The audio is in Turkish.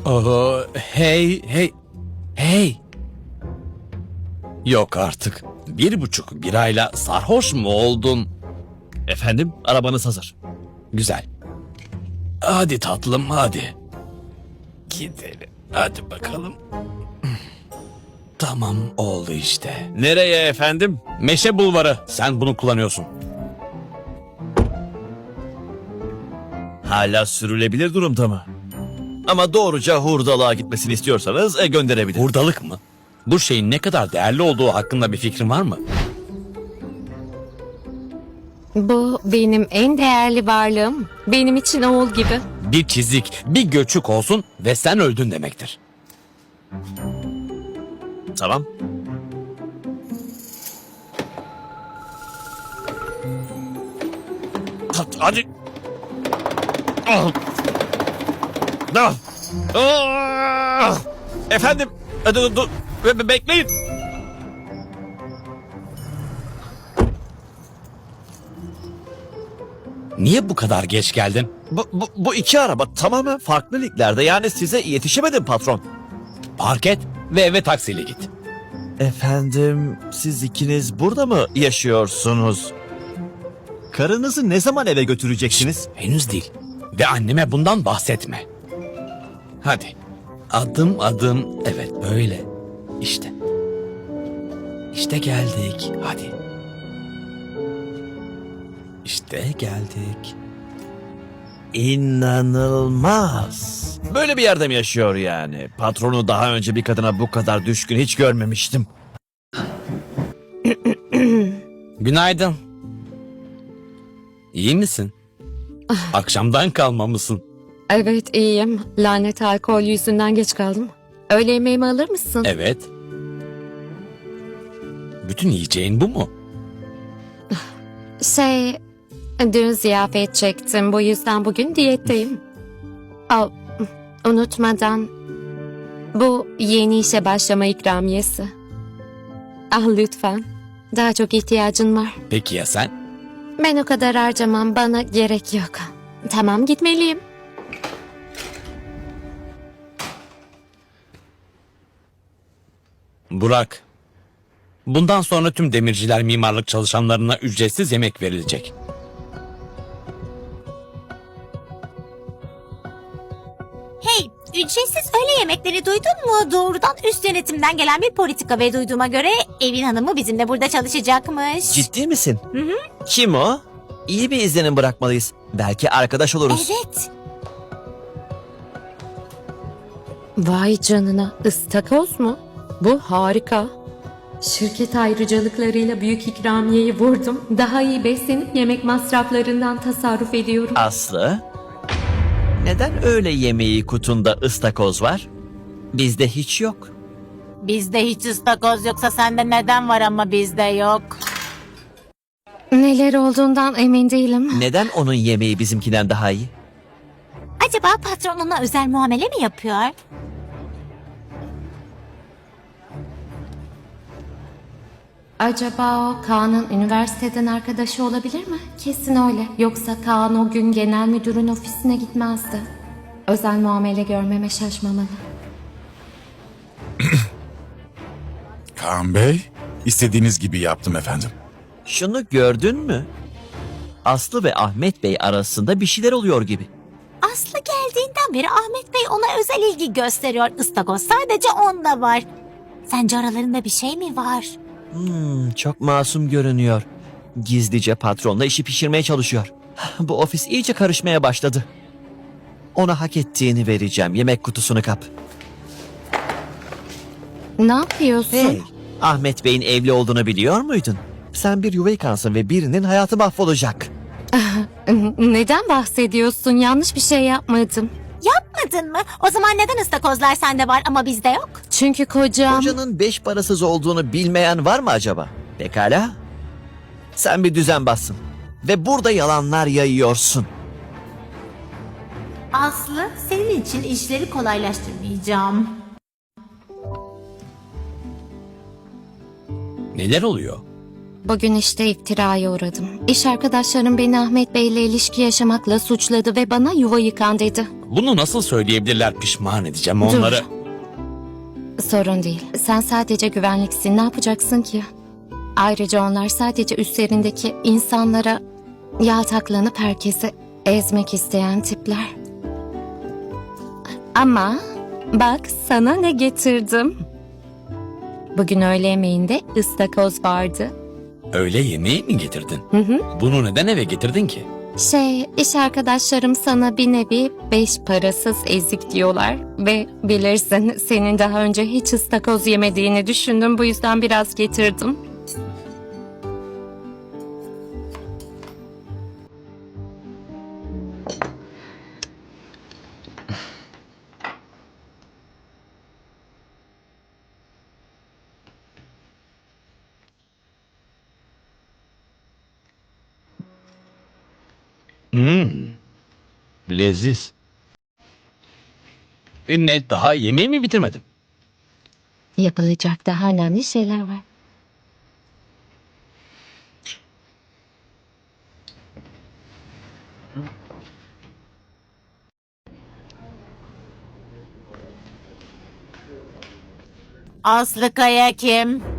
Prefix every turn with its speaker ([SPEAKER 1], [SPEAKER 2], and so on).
[SPEAKER 1] Hey, hey, hey. Yok artık. 1,5 birayla sarhoş mu oldun?
[SPEAKER 2] Efendim, arabanız hazır.
[SPEAKER 1] Güzel. Hadi tatlım, hadi. Gidelim. Hadi bakalım. Tamam, oldu işte.
[SPEAKER 2] Nereye efendim?
[SPEAKER 1] Meşe Bulvarı. Sen bunu kullanıyorsun.
[SPEAKER 2] Hala sürülebilir durumda mı? Ama doğruca hurdalığa gitmesini istiyorsanız gönderebilirim.
[SPEAKER 1] Hurdalık mı? Bu şeyin ne kadar değerli olduğu hakkında bir fikrin var mı?
[SPEAKER 3] Bu benim en değerli varlığım. Benim için oğul gibi.
[SPEAKER 1] Bir çizik, bir göçük olsun ve sen öldün demektir.
[SPEAKER 2] Tamam. Hadi. Ah. Ah. Ah. Efendim, dur. Bekleyin.
[SPEAKER 1] Niye bu kadar geç geldin?
[SPEAKER 2] Bu iki araba tamamen farklı liglerde. Yani size yetişemedim patron.
[SPEAKER 1] Park et ve eve taksiyle git.
[SPEAKER 2] Efendim, siz ikiniz burada mı yaşıyorsunuz? Karınızı ne zaman eve götüreceksiniz?
[SPEAKER 1] Henüz değil. Ve anneme bundan bahsetme. Hadi. Adım adım. Evet böyle. İşte. İşte geldik. Hadi. İşte geldik.
[SPEAKER 2] İnanılmaz. Böyle bir yerde mi yaşıyor yani? Patronu daha önce bir kadına bu kadar düşkün hiç görmemiştim.
[SPEAKER 1] Günaydın. İyi misin? Akşamdan kalma mısın?
[SPEAKER 3] Evet iyiyim. Lanet alkol yüzünden geç kaldım. Öğle yemeğimi alır mısın?
[SPEAKER 1] Evet. Bütün yiyeceğin bu mu?
[SPEAKER 3] Dün ziyafet çektim. Bu yüzden bugün diyetteyim. Unutmadan bu yeni işe başlama ikramiyesi. Lütfen. Daha çok ihtiyacın var.
[SPEAKER 1] Peki ya sen?
[SPEAKER 3] Ben o kadar harcamam. Bana gerek yok. Tamam gitmeliyim.
[SPEAKER 1] Burak. Bundan sonra tüm demirciler mimarlık çalışanlarına ücretsiz yemek verilecek.
[SPEAKER 4] Hey, ücretsiz öğle yemekleri duydun mu? Doğrudan üst yönetimden gelen bir politika ve duyduğuma göre evin hanımı bizimle burada çalışacakmış.
[SPEAKER 2] Ciddi misin? Kim o? İyi bir izlenim bırakmalıyız. Belki arkadaş oluruz.
[SPEAKER 4] Evet.
[SPEAKER 3] Vay canına, ıstakoz mu? Bu harika. Şirket ayrıcalıklarıyla büyük ikramiyeyi vurdum. Daha iyi beslenip yemek masraflarından tasarruf ediyorum.
[SPEAKER 2] Aslı, neden öğle yemeği kutunda ıstakoz var? Bizde hiç yok.
[SPEAKER 4] Bizde hiç ıstakoz yoksa sende neden var ama bizde yok?
[SPEAKER 3] Neler olduğundan emin değilim.
[SPEAKER 2] Neden onun yemeği bizimkinden daha iyi?
[SPEAKER 4] Acaba patron ona özel muamele mi yapıyor?
[SPEAKER 3] Acaba o Kaan'ın üniversiteden arkadaşı olabilir mi? Kesin öyle. Yoksa Kaan o gün genel müdürün ofisine gitmezdi. Özel muamele görmeme şaşmamalı.
[SPEAKER 5] Kaan Bey, istediğiniz gibi yaptım efendim.
[SPEAKER 2] Şunu gördün mü? Aslı ve Ahmet Bey arasında bir şeyler oluyor gibi.
[SPEAKER 4] Aslı geldiğinden beri Ahmet Bey ona özel ilgi gösteriyor. Istakoz sadece onda var. Sence aralarında bir şey mi var?
[SPEAKER 2] Çok masum görünüyor. Gizlice patronla işi pişirmeye çalışıyor. Bu ofis iyice karışmaya başladı. Ona hak ettiğini vereceğim. Yemek kutusunu kap.
[SPEAKER 3] Ne yapıyorsun?
[SPEAKER 2] Hey, Ahmet Bey'in evli olduğunu biliyor muydun? Sen bir yuva yıkansın ve birinin hayatı mahvolacak.
[SPEAKER 3] Neden bahsediyorsun? Yanlış bir şey yapmadım.
[SPEAKER 4] Yapmadın mı? O zaman neden ıstakozlar sende var ama bizde yok?
[SPEAKER 3] Çünkü kocam...
[SPEAKER 2] Kocanın 5 parasız olduğunu bilmeyen var mı acaba? Pekala. Sen bir düzen bassın. Ve burada yalanlar yayıyorsun.
[SPEAKER 4] Aslı, senin için işleri kolaylaştırmayacağım.
[SPEAKER 1] Neler oluyor?
[SPEAKER 3] Bugün işte iftiraya uğradım. İş arkadaşlarım beni Ahmet Bey'le ilişki yaşamakla suçladı ve bana yuva yıkan dedi.
[SPEAKER 1] Bunu nasıl söyleyebilirler, pişman edeceğim onları.
[SPEAKER 3] Sorun değil. Sen sadece güvenliksin. Ne yapacaksın ki? Ayrıca onlar sadece üstlerindeki insanlara yaltaklanıp herkesi ezmek isteyen tipler. Ama bak sana ne getirdim. Bugün öğle yemeğinde ıstakoz vardı.
[SPEAKER 1] Öğle yemeği mi getirdin? Bunu neden eve getirdin ki?
[SPEAKER 3] İş arkadaşlarım sana bir nevi 5 parasız ezik diyorlar. Ve bilirsin senin daha önce hiç ıstakoz yemediğini düşündüm. Bu yüzden biraz getirdim.
[SPEAKER 1] Leziz. Ne, daha yemeği mi bitirmedim?
[SPEAKER 3] Yapılacak daha önemli şeyler var.
[SPEAKER 4] Aslı Kaya kim?